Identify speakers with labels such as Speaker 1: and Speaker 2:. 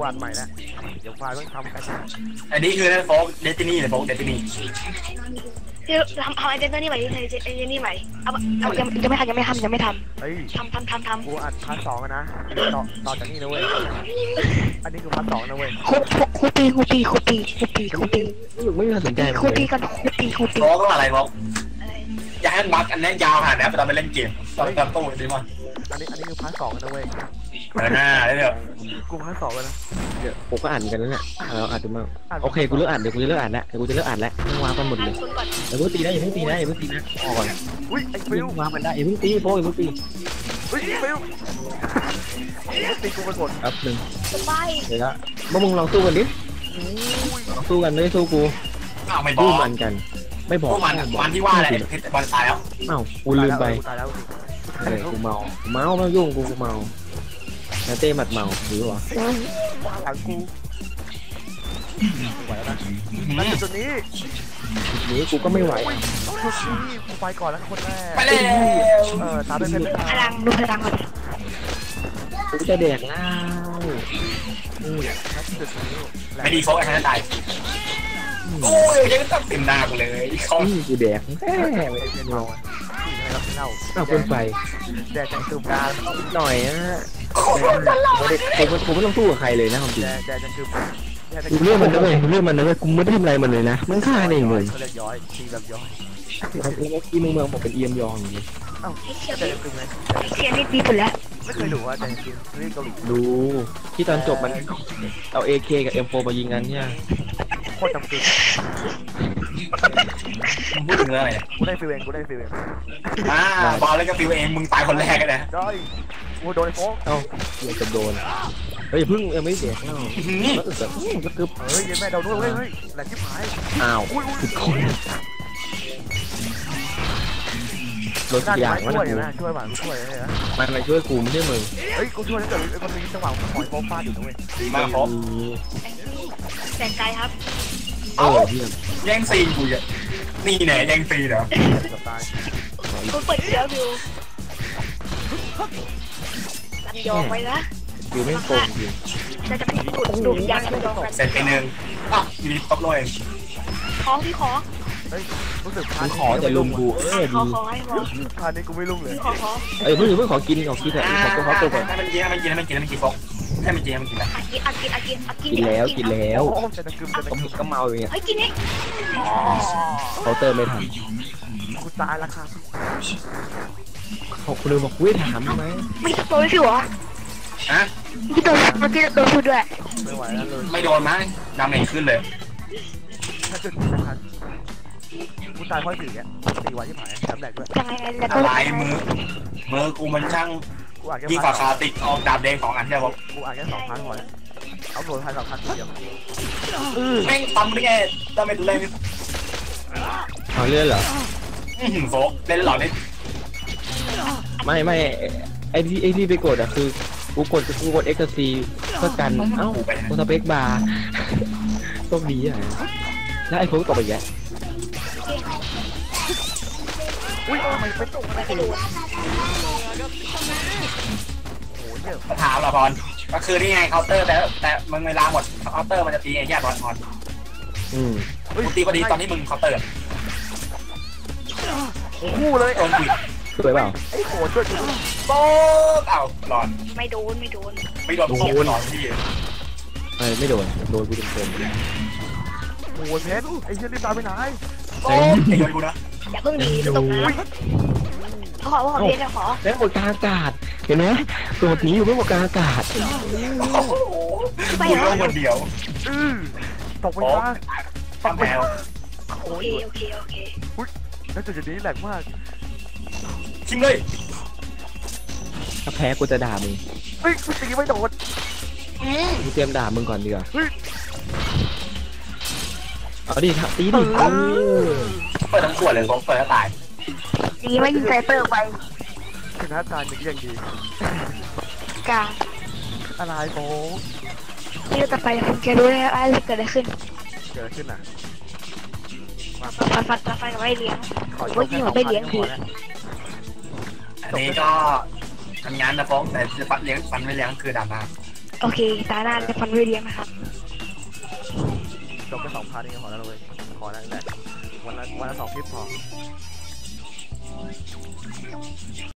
Speaker 1: อัดใหม่แล้วเดี๋ยวไฟล์ต้องทำกัน
Speaker 2: อันนี้คือโฟกเดตินี่เลยโฟกเดตินี่
Speaker 3: ที่ทำไอเดนเตอร์นี่ใหม่ที่ไอเดนนี่ใหม่เอายังไม่ทำ
Speaker 1: เฮ้ย
Speaker 3: ทำ
Speaker 1: กูอัดพาร์ท 2นะต่อจากนี้นะเว้ยอันนี้คือพาร์ท 2นะเว้ย
Speaker 3: คูปี
Speaker 4: ไม่มีใครสนใจ
Speaker 3: คูปีกันคูปี
Speaker 2: โฟกต้องอะไรโฟกอย่าให้บักอันนี้ยาวขนาดนี้ตอนไปเล่นเกมตอนตู้ดิมอน
Speaker 1: อันนี้คือพาร์ท 2นะเว้ย
Speaker 2: หน้าได้เถอะ
Speaker 1: กูพาร์ท 2แล้วนะ
Speaker 4: เดี๋ยวผมก็อ่านกันแล้วเนี่ยเราอ่านดูมั่งโอเคกูเลิกอ่านเดี๋ยวกูจะเลิกอ่านแล้วต้องวางกันหมดเลยอย่าเพิ่งตีนะอย่าเพิ่งตีนะออกก่อน
Speaker 1: อุ้ยไอ้ฟิว
Speaker 4: วางมันได้อย่าเพิ่งตีโป้อย่าเพิ่งตี
Speaker 1: อุ้ยฟิวตีกูเป็นหมด
Speaker 4: แป๊บนึง
Speaker 3: ไป
Speaker 4: เดี๋ยวละมึงลองสู้กันดิสู้กันไม่ได้สู้กู
Speaker 2: ไม่บอก
Speaker 4: มันกันไม่บอก
Speaker 2: มันที่ว่าอะไรบอลตายแล้ว
Speaker 4: กูลืมไปกูเมาไม่ยุ่งกูเมาเต้หมัดเมาหรือวะ
Speaker 1: หลังกูไหวแล้วนะนั่นจุดนี้
Speaker 4: กูก็ไม่ไหว
Speaker 1: กูไปก่อนแล้วคนแรก
Speaker 2: ไปเลย
Speaker 1: ตามไปเป็น
Speaker 3: พลังดูพลังก่อน
Speaker 4: กูจะแดกแล้ว
Speaker 2: ไม่ดีโฟกไอ้ท่านตายโอ้ยยังต้องเต็มหน้ากูเลย
Speaker 4: กูแดกแค่ไม่เมาเอาเป็นไฟ
Speaker 1: แดกจังตูมดา
Speaker 4: หน่อยนะผมไม่ต้องสู้กับใครเลยนะความจริง
Speaker 1: แดกจังตูม
Speaker 4: กูเลือกมันนะเว้ยกูไม่ได้ทำอะไรมันเลยนะมันฆ่าเองเลย
Speaker 1: เขาเรียกย้อยตีแบบย้อย
Speaker 4: แล้วเมื่อกี้มึงบอกเป็นเอียมยองอย่างนี้
Speaker 1: แดกจังตูมเลย
Speaker 3: เชียร์นี่ดีสุดแล้ว
Speaker 1: ไม่เคยดูว่าแดกจังตูมเรื่องเกาหลี
Speaker 4: ดูที่ตอนจบมันเอา AK กับ M4 มายิงกันเนี่ย
Speaker 1: โคตรจำเป็น
Speaker 2: พูดถึงเรื่องอะไร
Speaker 1: กูได้ฟิวเอง
Speaker 2: บอลแล้วก็ฟิวเองมึงตายคนแรกกันนะ
Speaker 1: ได้กูโดนโฟก
Speaker 4: จะโดนเฮ้ยพึ่งไม่เสียเนาะก็กึบ
Speaker 1: เฮ้ยแม่เราด้วยเฮ้ยแหลกชิบหาย
Speaker 4: สุดคนโดนอย่างว่า
Speaker 1: ช่วยหวานช่วยเลยนะ
Speaker 4: มันมาช่วยกูไม่ใช่มึง
Speaker 1: เฮ้ยกูช่วยแล้วแต่มันมีจังหวะหอยโฟฟาดอยู่นะเว้ย
Speaker 2: ดีมากครับ
Speaker 3: แต่ใจครับ
Speaker 2: แย่งซีนกูอ่ะนี่ไหนแย่งซีนเหรอ
Speaker 3: คุณเปิดเสียงอยู่ลำยองไปนะ
Speaker 4: อยู่ไม่โกงจริง
Speaker 3: จะพิสูจน์ดูยังลำยอง
Speaker 2: เสร็จไปหนึ่งอยู่ดีตบเลย
Speaker 3: ของที่ขอ
Speaker 1: เฮ้ยรู้สึก
Speaker 4: ขอจะลุมกู
Speaker 3: ดีให้หมด
Speaker 1: พานี้กูไม่ลุมเลย
Speaker 4: เพิ่งขอกินแต่ขอตัวก่อน
Speaker 2: ให้มันกินฟกให้มันกินนะ
Speaker 4: กินแล้วก็เมาอย่างเงี้ย
Speaker 3: กินนี่
Speaker 4: เขาเติมไม่ทัน
Speaker 1: กูตายแล้วครับ
Speaker 4: คุณเลยบอกวิ่งถามไหม
Speaker 3: ไม่โดนสิวะที่โดนเมื่อกี้โดนพูดด้วย
Speaker 1: ไม่ไหวแล้วเลย
Speaker 2: ไม่โดนมั้งดาเมจขึ้นเลย
Speaker 1: ถ้าจุดทันกูตายเพราะสิ่งเนี้ย4 วันที่ผ่านจำแหลกด้วย
Speaker 3: ยังไงแล้ว
Speaker 2: ก็ลายมือกูมันช่างยิ่งกว่าคาติกออกดาบแดง2 อันใช่ป่ะ
Speaker 1: กูอ่านแค่2 ครั้งพอแล้วเอาโดนทัน2 ครั้งเดียว
Speaker 2: แม่งปั๊มได้ไงดาเมจแรง
Speaker 4: เอาเลื่อนเหรอ
Speaker 2: โฟกเล่นหลอดนี่
Speaker 4: ไม่ไอที่ไปกดอ่ะคือกูกด XC เพื่อกันกูสเปคบาร์ต้องดีอ่ะแล้วไอ้โฟกตกไปแย่
Speaker 1: อุ้ยไม่ไปตกอะไรกัน
Speaker 2: ถามละบอลก็คือนี่ไงเคาน์เตอร์แต่มึงเวลาหมดเคาน์เตอร์มันจะตีไอ้แย่บอลมึงตีพอดีตอนที่มึงเคาน์เตอร์
Speaker 1: คู่เลย
Speaker 2: โดนบิด
Speaker 4: สวยเปล่า
Speaker 1: ไอ้โหช่วย
Speaker 2: โป๊กหลอน
Speaker 3: ไม่โดน
Speaker 2: โป๊กหลอนที่
Speaker 4: ไม่โดนกูเต็ม
Speaker 1: โอ้ยเพชรไอ้เชี่ยรีบตายไปไหน
Speaker 2: โป๊กไอ้โดนกูนะ
Speaker 3: อย่าเพิ่งดีตรงนั้นขอเพชรขอ
Speaker 4: แล้วหมดกลางอากาศเห็นไหมตัวนี้อยู่ไม่หมดกลางอากาศ
Speaker 2: ไปเหรอคนเดียว
Speaker 1: ตกไปซะ
Speaker 2: ฟังแมว
Speaker 3: โอเค
Speaker 1: แล้วจุดนี้แหลกมาก
Speaker 2: ชิงเลย
Speaker 4: ถ้าแพ้กูจะด่ามึง
Speaker 1: เฮ้ยกูตีไม่โดน
Speaker 4: กูเตรียมด่ามึงก่อนดีกว่าเอาดิตีดิ
Speaker 2: เปิดทั้งขวดเลยผมเปิดแล้วตาย
Speaker 3: ดีไม่ยิงไซเตอร์ไป
Speaker 1: ชนะตายมันยังดี
Speaker 3: กา
Speaker 1: อะไรโป๊
Speaker 3: นี่เราจะไปคุณแกรู้แล้วอะไรเกิดอะไรขึ้น
Speaker 1: อ่ะ
Speaker 3: ฟันกับไม่เลี้ยงว่ายิงกับไม่เลี้ยงที
Speaker 2: อันนี้ก็ทำงานนะฟ้องแต่ฟันเลี้ยงฟันไม่เลี้ยงคือดราม่า
Speaker 3: โอเคตาหน้าจะฟันด้วยเลี้ยงนะครับ
Speaker 1: จบไป2 พาร์ทนี้พอแล้วเลยพอแล้วแหละวันละ2 คลิปพอ